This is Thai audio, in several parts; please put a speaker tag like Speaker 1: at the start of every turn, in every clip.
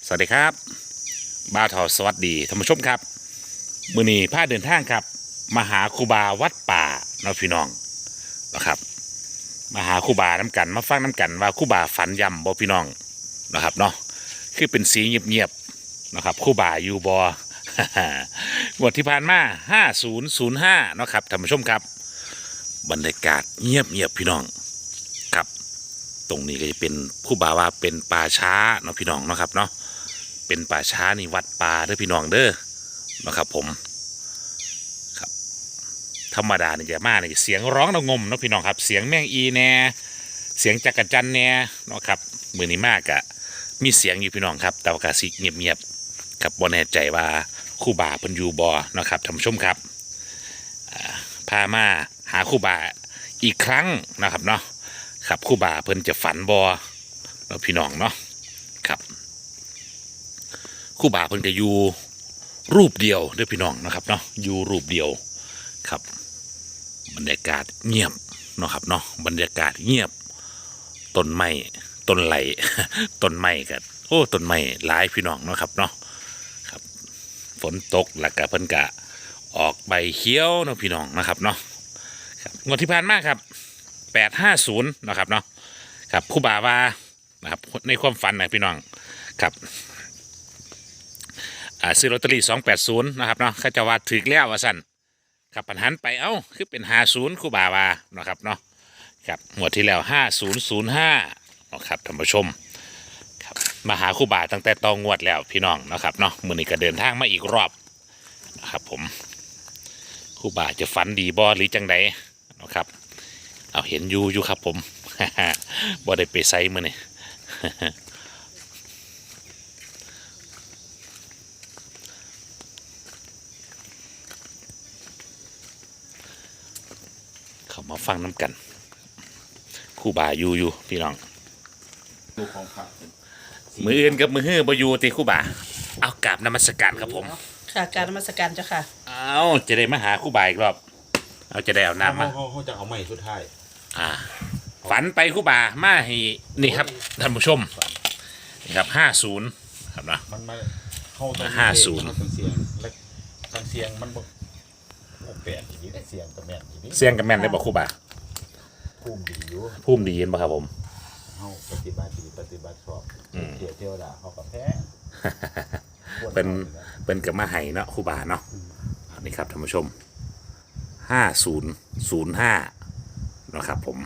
Speaker 1: สวัสดีครับบ้าวทอสวัสดีท่านผู้ชมครับมื้อนี้พาเดินทางครับมาหาครูบาวัดป่าเนาะพี่น้องนะครับมาหาครูบาน้ำกันมาฟังน้ำกันว่าครูบาฝันย่ำบ่พี่น้องนะครับเนาะคือเป็นสีเงียบๆนะครับครูบาอยู่บ่ งวดที่ผ่านมา5005เนาะครับท่านผู้ชมครับบรรยากาศเงียบพี่น้องครับตรงนี้ก็จะเป็นครูบาว่าเป็นป่าช้าเนาะพี่น้องเนาะครับเนาะเป็นป่าช้านี่วัดป่าเด้อพี่น้องเด้อนะครับผมครับธรรมดาเนี่ยจะมาเนี่ยเสียงร้องระงมเนาะพี่น้องครับเสียงแมงอีแน่เสียงจักรจันแน่เนาะครับมือนี้มากอะมีเสียงอยู่พี่น้องครับแต่ว่ากาสิเงียบๆครับบ่แน่ใจว่าครูบาเพิ่นอยู่บ่เนาะครับท่านผู้ชมครับพามาหาครูบาอีกครั้งนะครับเนาะครับครูบาเพิ่นจะฝันบ่เนาะพี่น้องเนาะครับครูบาเพิ่นจะอยู่รูปเดียวเด้อพี่น้องนะครับเนาะอยู่รูปเดียวครับบรรยากาศเงียบเนาะครับเนาะบรรยากาศเงียบต้นไม้ต้นไหล ต้นไม้กันโอ้ต้นไม้หลายพี่น้องเนาะครับเนาะครับฝนตกแล้วก็เพิ่นกะออกใบเขียวเนาะพี่น้องนะครับเนาะครับงวดที่ผ่านมาครับ850นะครับเนาะครับครูบาว่านะครับในความฝันนะพี่น้องครับซื้อลอตเตอรี่280นะครับเนาะเขาจะว่าถึกแล้วว่าสั่นครับปัญหันไปเอ้าคือเป็น50ครูบาว่านะครับเนาะครับงวดที่แล้ว5005นะครับท่านผู้ชมครับมาหาครูบาตั้งแต่ตองงวดแล้วพี่น้องนะครับเนาะมื้อนี้ก็เดินทางมาอีกรอบนะครับผมครูบาจะฝันดีบ่หรือจังใดนะครับเอาเห็นอยู่ครับผม บ่ได้ไปไสมื้อนี้ เขามาฟังน้ำกันครู่บาอยู่พี่น้อง
Speaker 2: ดูของพระ
Speaker 1: มืออื่นกับมือฮื้อบ่อยู่ติครู่บาเอากราบนมัสการครับผม
Speaker 3: ค่ะการนมัสการเจ้าค่ะ
Speaker 1: เอาจะได้มาหาครู่บาอีกรอบเอาจะได้เอาน้ำมา
Speaker 2: เขาจะเอาใหม่สุดท้าย
Speaker 1: ฝันไปครู่บามาให้นี่ครับท่านผู้ชมนี่ครับ50ครับนะ
Speaker 2: มันมาเข้าตรง
Speaker 1: 50
Speaker 2: มันเสียงและทางเสียงมันบอกแปลกอย่างนี้เสียงกับแม่นอย่างนี้
Speaker 1: เสียงกับแม่นได้บ่ครู่บา
Speaker 2: พุ่มดีอยู่
Speaker 1: พุ่มดีเย็นบ่ครับผม
Speaker 2: เขาปฏิบัติดีปฏิบัติชอบเที่ยวด่าเขากับแพ้
Speaker 1: เป็นกับมาให้เนาะครู่บาเนาะอันนี้ครับท่านผู้ชม5005เนาะครับผม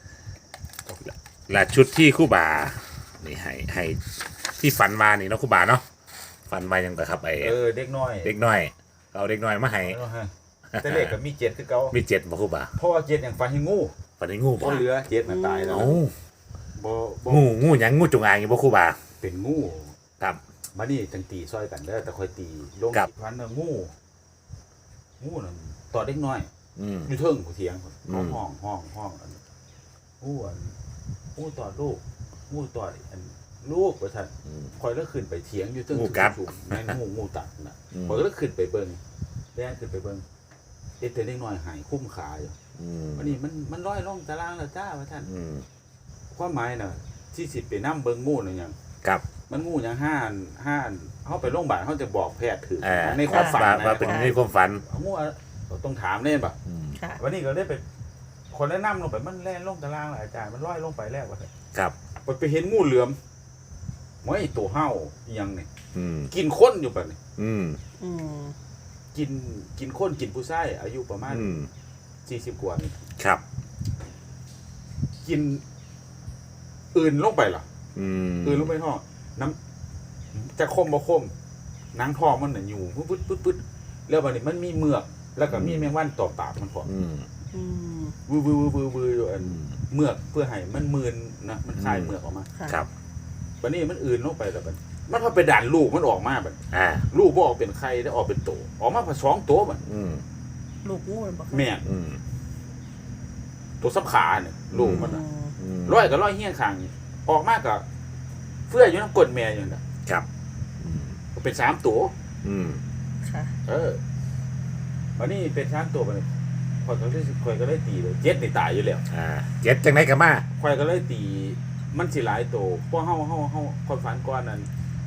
Speaker 1: และชุดที่ครู่บานี่ให้ที่ฝันมานี่เนาะครู่บาเนาะฝันมายังแต่ครับไอ
Speaker 2: เด็กน้อย
Speaker 1: เด็กน้อยเอาเด็กน้อยมาให้
Speaker 2: แต่เด็กกับมีเจ็ดคือเก่า
Speaker 1: มี7บ่ครู่บา
Speaker 2: เพราะว่าเจ็ดอย่างฟันให้งู
Speaker 1: ฝันให้งู
Speaker 2: เพ
Speaker 1: บ่
Speaker 2: ราะเรือเจ็ดน่ะตายแล้ว
Speaker 1: เอ้า
Speaker 2: บ่
Speaker 1: งูหยังงูจงอางอยู่บ่ครู่บา
Speaker 2: เป็นงู
Speaker 1: ครับ
Speaker 2: มานี่จังตีซอยกันเด้อแต่คอยตีลง
Speaker 1: ครับ
Speaker 2: พันน่ะงูนั่นต่อเด็กน้อย
Speaker 1: อืม
Speaker 2: อยู่เทิงผู้เถียง
Speaker 1: อืม
Speaker 2: ห้องอันงูต่อลูกงูต่ออันลูกว่าท่านคอยแล้วขึ้นไปเถียงอยู่เทิงสูงแม่นงูตัดน่ะคอยแล้วขึ้นไปเบิ่งแล่นขึ้นไปเบิ่งเด็กเล็กน้อยหายคุ้มขาอยู่วันนี้มันร้อยลงตารางแล้วจ้าว่าท่านความหมายน่ะที่สิไปนํเบิ่งงูนั่นหยัง
Speaker 1: ครับ
Speaker 2: มันงูหยังห้านเฮาไปโรงพยาบาลเฮาจะบอกแพทย์ถือ
Speaker 1: อ่า
Speaker 2: ในความฝัน
Speaker 1: ว่าเป็นในความฝัน
Speaker 2: งูต้องถามเล่นป่ะ
Speaker 3: ค่ะ
Speaker 2: วันนี้ก็ได้ไปคนแนะนำลงไปมันแล่นลงตารางแล้วอาจารย์มันลอยลงไปแล้วว่า
Speaker 1: ครับ
Speaker 2: ไปเห็นงูเหลือมไม่ตัวเห่าอีหยังนี่
Speaker 1: อืม
Speaker 2: กินคนอยู่ป่ะนี่
Speaker 1: อืม
Speaker 3: อืม
Speaker 2: กินคนกินผู้ชายอายุประมาณ
Speaker 1: อืม
Speaker 2: 40กว่านี่
Speaker 1: ครับ
Speaker 2: กินอื่นลงไปเหรอ
Speaker 1: อืม
Speaker 2: อื่นลงไปท้องน้ำจะคมบ่คมหนังทองมันน่ะอยู่ปึ๊ดแล้วบัดนี้มันมีเมือกแล้วก็มีแมงวันตอมปากมันพอ
Speaker 1: อืม
Speaker 3: อืม
Speaker 2: วืออยู่อันเมือกเพื่อให้มันมืนนะมันคลายเมือกออกมา
Speaker 3: ค่ะ
Speaker 1: ครับ
Speaker 2: บัดนี้มันอื่นลงไปแล้วบัดมันพอไปด่านลูกมันออกมาบัด ลูกบ่ออกเป็นไข่ได้ออกเป็นโตออกมาผสองตัวบัด
Speaker 1: อืม
Speaker 3: ลูกงูมันบอก
Speaker 2: แม่น
Speaker 1: อืม
Speaker 2: ตัวสับขาเนี่ยลูกมัน
Speaker 3: อื
Speaker 2: น่ะ
Speaker 3: ม
Speaker 1: อืม
Speaker 2: ร้อยกับร้อยเฮี้ยงข้างนี่ออกมาก็เฟื้ออยู่น้ำกดแม่อยู่น่ะ
Speaker 1: ครับ
Speaker 2: ก็เป็น3ตัว
Speaker 1: อืม
Speaker 3: ค่ะ
Speaker 2: บัดนี้เป็น3ตัวบัดนี้ข่อยก็เลยตีเลยเจ็ดนี่ตายอยู่แล้ว
Speaker 1: เจ็ดจังไหนกันมา
Speaker 2: ข่อยก็เลยตีมันสิหลายตัวเพราะเฮาคนฝันก่อนนั้นเข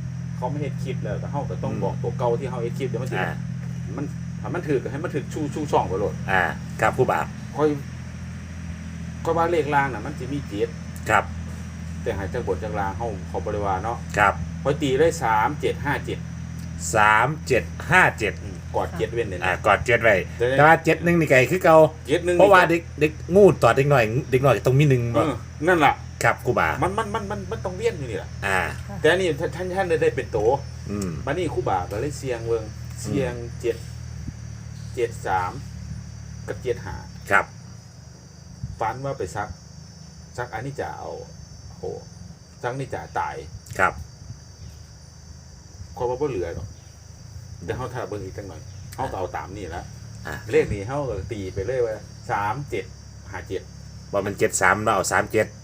Speaker 2: เขาไม่เฮ็ดคลิปแล้วแต่เฮาก็ต้องบอกตัวเก่าที่เฮาเฮ็ดคลิปเดี๋ยวมันสิมันถ้ามันถือก็ให้มันถือชูช่องไปโลด
Speaker 1: ครับครูบา
Speaker 2: ค่อยว่าเลขล่างน่ะมันสิมีเจ็ด
Speaker 1: ครับ
Speaker 2: แต่หายจากบทจากลางเขาบริวารเนาะ
Speaker 1: ครับ
Speaker 2: พอตีได้3757
Speaker 1: 3757
Speaker 2: กอดเจ็ดเว้นเนี่ย
Speaker 1: กอด7ไว้แต่ว่า7 1นี่ไกคือเก่า
Speaker 2: เจ็ดหนึ่ง
Speaker 1: เพราะว่าเด็กงูตอดเด็กหน่อยต้องมี1บ่
Speaker 2: นั่นล่ะ
Speaker 1: ครับครูบา
Speaker 2: มันต้องเวียนอยู่นี่แหละ
Speaker 1: อ่า
Speaker 2: แต่อันนี่ท่านได้เป็นโต
Speaker 1: ม
Speaker 2: มานี่ครู่บ่าก็เลยเสียงเวิงเสียง73กับ75
Speaker 1: ครับ
Speaker 2: ฝันว่าไปซักอันนี้จะเอาโหซักนี่จะตาย
Speaker 1: ครับ
Speaker 2: ความว่าบ่เหลือหรอกแต่เฮาถ้าเบิ่งอีกจังหน่อยเฮาก็เอาตามนี่ละ เลขนี้เฮาก็ตีไปเลยว่า3757
Speaker 1: ว่ามัน73เราเอา37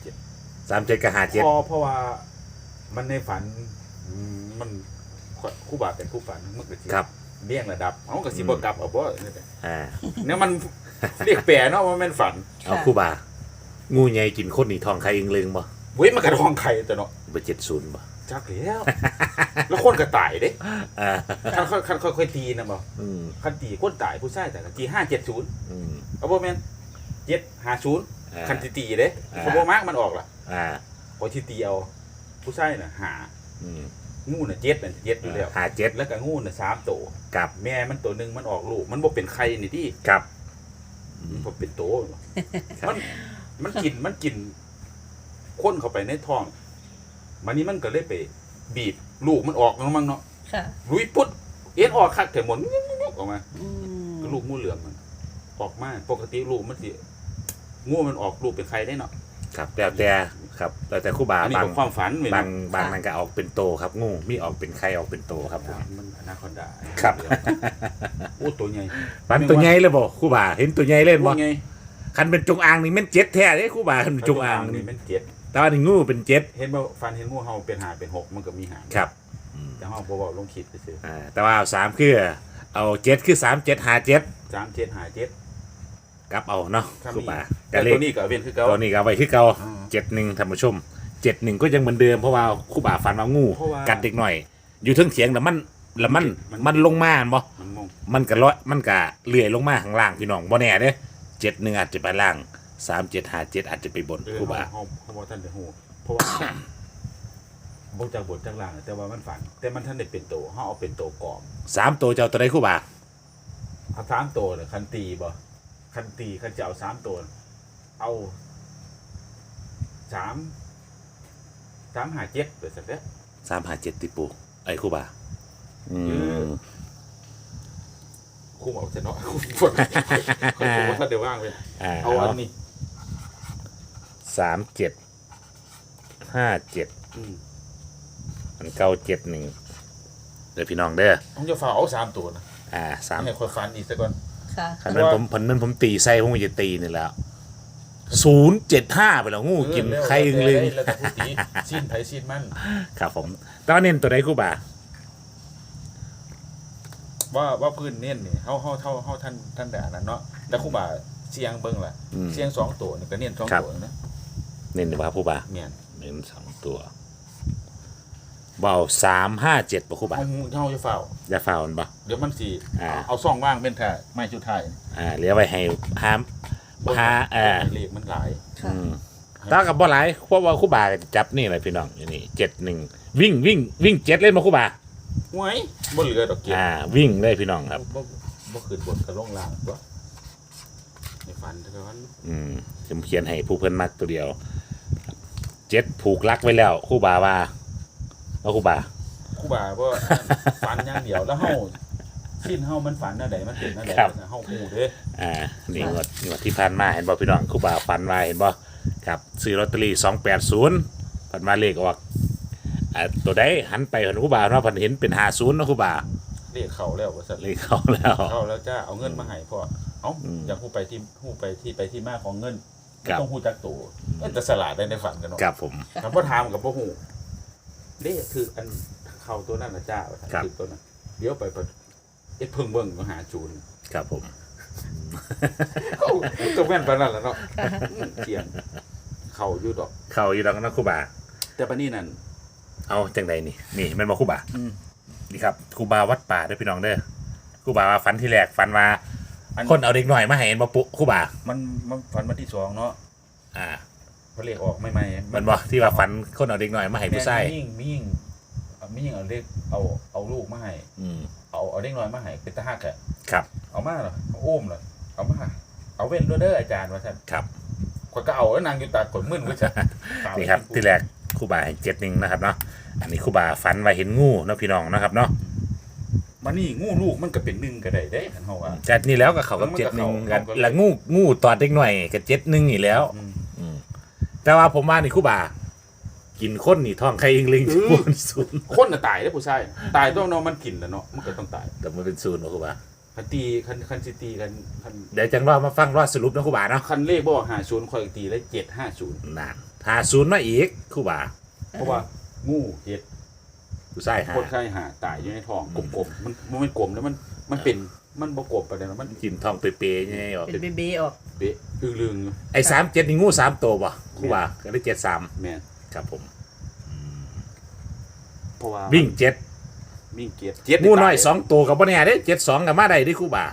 Speaker 1: 37กับ57
Speaker 2: เพราะว่ามันในฝันมันครู่บาเป็นผู้ฝันมันก็สิ
Speaker 1: ครับ
Speaker 2: เลี่ยงระดับเฮาก็สิบ่กลับเอาบ่นี่แหละ
Speaker 1: อ่า
Speaker 2: เนี่ยมัน เรียกแปรเนาะว่าแม่นฝัน
Speaker 1: เอาครูบา งูใหญ่กินคนนี่ทองใครอึงลึงบ่
Speaker 2: เว้ยมันกระทองไข่แต่เนาะ
Speaker 1: เบอร์70บ่
Speaker 2: จักแล้ว แล้วคนก็ตายเด้
Speaker 1: อ่า
Speaker 2: คันค่อยๆตีนะบ่
Speaker 1: อืม
Speaker 2: คันตีคนตายผู้ชายแต่ก็ตี570
Speaker 1: อืม
Speaker 2: เอาบ่แม่น750คันสิตีเด้
Speaker 1: อ่า
Speaker 2: เขาบ่มักมันออกล่ะ
Speaker 1: อ่า
Speaker 2: พอสิตีเอาผู้ชายน่ะหา
Speaker 1: อืม
Speaker 2: งูน่ะ7นั่น7อยู่แล้ว
Speaker 1: 57
Speaker 2: แล้วก็งูน่ะ3ตัว
Speaker 1: กับ
Speaker 2: แม่มันตัวหนึงมันออกลูกมันบ่เป็นไข่นี่ติ
Speaker 1: กับ
Speaker 2: มันบ่เป็นโตมันกินคนเข้าไปในท้องมันนี่มันก็เลยไปบีบลูกมันออกมั้งเนาะ
Speaker 3: ค่ะ
Speaker 2: ลุยปุ๊ดเอ็นออกคักแต่หมดออกมา
Speaker 3: อืม
Speaker 2: ก็ลูกงูเหลือมมันออกมาปกติลูกมันสิงูมันออกลูกเป็นไข่ได้เนาะ
Speaker 1: ครับแล้วแต่ครับแล้วแต่ครูบา
Speaker 2: อันนี้
Speaker 1: บาง
Speaker 2: เป็นความฝันเว้ย
Speaker 1: บา
Speaker 2: เนาะ
Speaker 1: งนั่นก็ออกเป็นโตครับงูมีออกเป็นไข่ออกเป็นโตครับผม
Speaker 2: มันอนาคอนดา
Speaker 1: ครับ
Speaker 2: โอ้ตัวใหญ่
Speaker 1: ฟันตัวใหญ่เลยบ่ครูบาเห็นตัวใหญ่เล่นบ่
Speaker 2: ตัวใหญ่
Speaker 1: คันเป็นจงอางนี่แม่นเจ็ดแท้เด้ครูบาคันเป็นจงอาง
Speaker 2: นี่
Speaker 1: นี่
Speaker 2: มันเจ็ด
Speaker 1: แต่ว่านี่งูเป็นเจ็ด
Speaker 2: เห็นว่าฟันเห็นงูเห่าเป็นหาเป็นหกมันก็มีหาง
Speaker 1: ครับ
Speaker 2: แต่เห่าบ่เว้าลงคิดไปซื่อ
Speaker 1: แต่ว่าเอา3คือเอา7คือ3757
Speaker 2: 37หา7
Speaker 1: กลับเอาเนาะ
Speaker 2: ครับ
Speaker 1: ครูบา
Speaker 2: แต่
Speaker 1: ก็เล
Speaker 2: ตั
Speaker 1: ข
Speaker 2: วนี้ก็เว้นคือเก่า
Speaker 1: ตัวนี้ก็เอาไว้คือเก่า
Speaker 2: อืม
Speaker 1: 71ท่านผู้ชม71ก็ยังเหมือนเดิมเพราะว่าครูบาฟันว่างู
Speaker 2: เพราะว่า
Speaker 1: กัดเด็กหน่อย อยู่เทิงเถียงแล้วมันลงมาบ่
Speaker 2: มันงง
Speaker 1: มันก็มันก็เลื่อยลงมาข้างล่างพี่น้องบ่แน่เด้71อาจจะไปล่าง3757อาจจะไปบนครูบา
Speaker 2: เฮาบ่ทันได้ฮู้เพราะว่า บ่จากบทจากล่างแต่ว่ามันฝัน แต่มันทันได้เป็นโตเฮาเอาเป็นโตกรอบ
Speaker 1: 3ตัวเจ้าตัวใดครูบา
Speaker 2: เอา3โตน่ะคันตีบ่คันตีคันจะเอา3โตเอา3หา7ไปซั่นเด้อ
Speaker 1: 357ติปูไอ้ครูบาม
Speaker 2: คุ้มเอาซะเนาะคนบ่ทันได้ว่างเว้ยเอาอันนี้
Speaker 1: 3757
Speaker 2: อืม
Speaker 1: อันเก่า71เด้อพี่น้องเด้อ
Speaker 2: ผมจะฝากเอา3ตัวนะ
Speaker 1: 3
Speaker 2: ให้ค่อยฟันอีกซะก่อน
Speaker 3: ค่ะ
Speaker 1: คันนั้นผมตีไส้ผมจะตีนี่แล้ว075ไปแล้วงูกินไข่อึงลึง
Speaker 2: แล้วแต่ผู้ตีสิ้นไผสิ้นมัน
Speaker 1: ครับผมตอนเน้นตัวใดครูบา
Speaker 2: ว่าพื้นเน้นนี่เฮาท่านด่านั้นเนาะแล้วครูบาเสียงเบิ่งล่ะเสียง2ตัวนี่ก็เน้น2ตัวนะ
Speaker 1: เน้นดีกว่าครูบา
Speaker 2: แม่น
Speaker 1: เน้น2ตัวเบา357ป่ะครูบา
Speaker 2: เฮาจะเฝ้า
Speaker 1: อย่าฝ่ามันป่ะ
Speaker 2: เดี๋ยวมันสิ
Speaker 1: อ่า
Speaker 2: เอาซ่องว่างเป็นแท้ไม่สุดท้าย
Speaker 1: เหลือไว้ให้หาม
Speaker 2: เลขมันหลาย
Speaker 3: ค่ะ
Speaker 1: ตากับบ่หลายเพราะว่าครูบาจับนี่แหละพี่น้องอยู่นี่71วิ่ง7เล่นมาครูบา
Speaker 2: หวยบ่เหลือดอกเก็บ
Speaker 1: วิ่งเลยพี่น้องครับ
Speaker 2: บ่ขึ้นบนกระลงล่างตัวในฝันเท่านั้น
Speaker 1: ผมเขียนให้ผู้เพิ่นมักตัวเดียว7ผูกลักไว้แล้วครูบาว่าครูบา
Speaker 2: ครูบาบ่ฝันอย่างเดียวแล้วเฮาสิ้นเฮามันฝันอันใดมันเป็นอันใดเฮาฮู้เด้
Speaker 1: นี่งวดที่ผ่านมาเห็นบ่พี่น้องครูบาฝันว่าเห็นบ่ครับซื้อลอตเตอรี่280ฝันมาเลขออกตัวใดหันไปเห็นครูบาเนาะเพิ่นเห็นเป็น50เนาะครูบา
Speaker 2: เลขเข้าแล้วว่าซั่น
Speaker 1: เลขเข้าแล้ว
Speaker 2: เข้าแล้วจ้าเอาเงินมาให้พ่อเอ้าอยากฮู้ไปที่มาของเงินต้องฮู้จักตัวแต่สลาดได้ในฝันกันเนาะ
Speaker 1: ครับผม
Speaker 2: ถ้าบ่ถามก็บ่ฮู้เลขคืออันเข้าตัวนั้นน่ะจ้าว่าซั่นคือตัวนั้นเดี๋ยวไปเอ็ดเพิ่งเบิ่งมาหาจูน
Speaker 1: ครับผม
Speaker 2: ก็แม่นปานนั้นแหละเนาะเขียนเข้าอยู่ดอก
Speaker 1: เข้าอยู่ดอกนะครูบา
Speaker 2: แต่ปานนี้นั่น
Speaker 1: เอาจังใดนี่แมันมาครูบา
Speaker 2: อืม
Speaker 1: นี่ครับครูบาวัดป่าเด้อพี่น้องเด้อครูบาว่าฝันที่แรกฝันว่า
Speaker 2: อัน
Speaker 1: คนเอาเด็กหน่อยมาให้เห็นบ่ปุ๊ครูบา
Speaker 2: มันฝันวันที่2เนาะ
Speaker 1: อ่า
Speaker 2: พอเลขออกใหม่ๆ
Speaker 1: มันบ่ที่ว่าฝันคนเอาเด็กหน่อยมาให้ผู้ชาย
Speaker 2: มียิ่งเอาเลขเอาลูกมาให้
Speaker 1: อืม
Speaker 2: เอาเด็กน้อยมาให้เป็นตาฮักอะ
Speaker 1: ครับ
Speaker 2: เอามาเหรอเอาโอ้มเหรอเอามาเอาเว้นด้วยเด้ออาจารย์ว่าท่าน
Speaker 1: ครับ
Speaker 2: ข่อยก็เอาแล้วนางอยู่ตาขนมึนว่าซั่น
Speaker 1: นี่ครับที่แรกครูบาให้7-1นะครับเนาะอันนี้ครูบาฝันว่าเห็นงูเนาะพี่น้องนะครับเนาะ
Speaker 2: มันนี่งูลูกมันก็เป็น1ก็ได้เด้คันเฮาว่า
Speaker 1: จากนี้แล้วก็เขากับ
Speaker 2: มันก็เข้า
Speaker 1: 7-1กัน
Speaker 2: เข้า
Speaker 1: แล้วงูตอดเด็กหน่อยกับ7-1อีกแล้ว
Speaker 2: อืม
Speaker 1: แต่ว่าผมว่านี่ครูบา กินข้นนี่ท้องใครอิงลิง
Speaker 2: อืม
Speaker 1: พูนศูนย์
Speaker 2: คนน่ะตายเด้อผู้ชายตายต้องเนาะมันกินแล้วเนาะมันก็ต้องตาย
Speaker 1: แต่มันเป็นศูนย์เนาะครูบา
Speaker 2: คันตีคันสิตีกันคัน
Speaker 1: เดี๋ยวจังรอมาฟังรอดสรุปนะครูบาเนาะ
Speaker 2: คันเลขบ่50ข่อยตีเลย750
Speaker 1: นานหาศูนย์มาอีกครูบา
Speaker 2: เพราะว่างูเห็ด
Speaker 1: ผู้ชายหา
Speaker 2: คนไข้หาตายอยู่ในท้องกลมๆมันกลมแล้วมันเป็นมันบ่กลมปานใดมัน
Speaker 1: กินท้องเปรี้ยๆไงออก
Speaker 3: เป็นเบออก
Speaker 2: เบะอึลึง
Speaker 1: ไอ้37นี่งู3ตัวบ่ครูบาก็ได้73
Speaker 2: แม่น
Speaker 1: ครับผม
Speaker 2: เพราะว่า
Speaker 1: วิ่ง
Speaker 2: วิ่งเกียรติ
Speaker 1: 7งูน้อย2ตัวก็บ่แน่เด้72ก็มาได้เด้ครูบา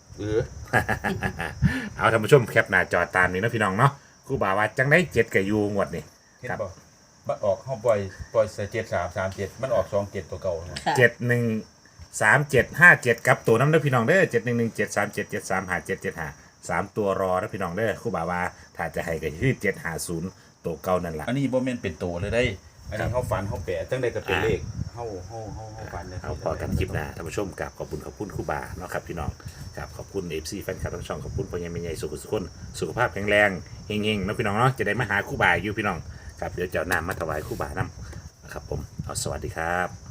Speaker 1: เอาท่านผู้ชมแคปหน้าจอตามนี้นะพี่น้องเนาะครูบาว่าจังได้7กับยูงวดนี่
Speaker 2: เห็น
Speaker 1: ครับ
Speaker 2: บ่มันออกเฮาปล่อยใส่7337มันออก27ตัวเก่าเนาะ
Speaker 3: ค่ะ
Speaker 1: 713757กับตัวน้ำเด้อพี่น้องเด้อ711737735775 3ตัวรอนะพี่น้องเด้อครูบาว่าถ้าจะให้ก็คือ750ตัวเก่านั่นล่ะ
Speaker 2: อันนี้บ่แม่นเป็นตัวเลยได้อันนี้เฮาฝันเฮาแปะจังได๋ก็เป็นเลขเฮาฝันได้
Speaker 1: เอาพอกันคลิปหน้าท่านผู้ชมกับขอบคุณครูบาเนาะครับพี่น้องครับขอบคุณ FC แฟนคลับทั้งช่องขอบคุณพ่อใหญ่แม่ใหญ่สุขสุขคนสุขภาพแข็งแรงเฮงๆเนาะพี่น้องเนาะจะได้มาหาครูบาอยู่พี่น้องครับเดี๋ยวจะเอาน้ำมาถวายครูบานำนะครับผมเอาสวัสดีครับ